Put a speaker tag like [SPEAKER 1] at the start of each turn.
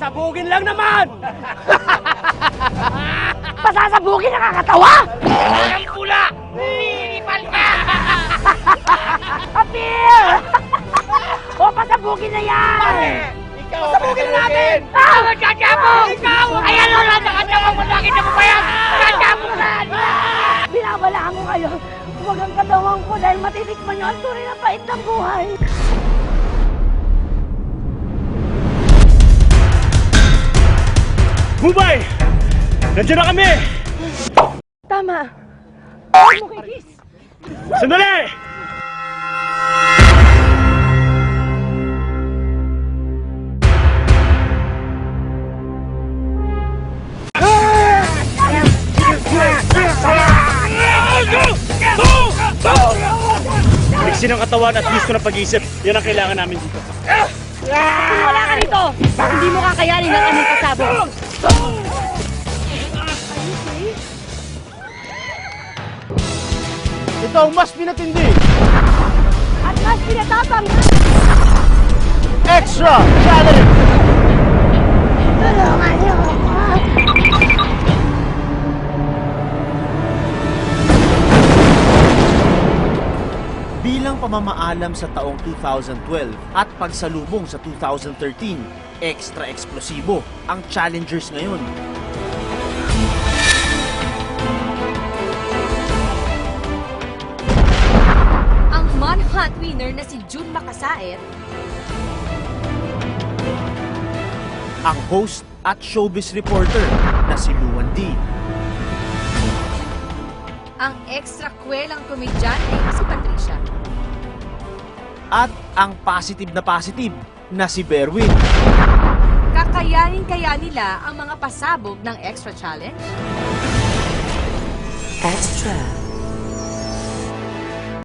[SPEAKER 1] Pasasabugin lang naman!
[SPEAKER 2] Pasasabugin nakakatawa!
[SPEAKER 1] Ang pula! Lilipal ka!
[SPEAKER 2] Apil! O, pasabugin na yan!
[SPEAKER 1] Pasabugin na natin!
[SPEAKER 2] Ah!
[SPEAKER 1] Magkakabog! Ikaw! Ayan o! Nakakabog mo! Nakita mo ba yan? Kakabog na!
[SPEAKER 2] Binabalaan ko kayo. Huwag ang katawan ko dahil matitikman nyo ang tunay na pait ng buhay.
[SPEAKER 1] Bubay! Nandiyan na kami!
[SPEAKER 2] Tama. Huwag mo kay Kiss.
[SPEAKER 1] Sandali! Bigsin ang katawan at gusto ng pag-iisip. Yan ang kailangan namin dito.
[SPEAKER 2] Kung wala ka rito, hindi mo kakayanin ang aming pasabog.
[SPEAKER 1] Ito ang mas pinatindi.
[SPEAKER 2] At mas pinatapang.
[SPEAKER 1] Extra challenge!
[SPEAKER 2] Tulungan niyo ako.
[SPEAKER 3] Bilang pamamaalam sa taong 2012 at pagsalubong sa 2013, extra eksplosibo ang challengers ngayon.
[SPEAKER 4] Ang Manhunt winner na si June Makasaet,
[SPEAKER 3] Ang host at showbiz reporter na si Luan D.
[SPEAKER 4] ang extra kwelang komedyante na si Patricia,
[SPEAKER 3] At ang positive na si Berwin.
[SPEAKER 4] kakayanin kaya nila ang mga pasabog ng extra challenge?
[SPEAKER 5] Extra.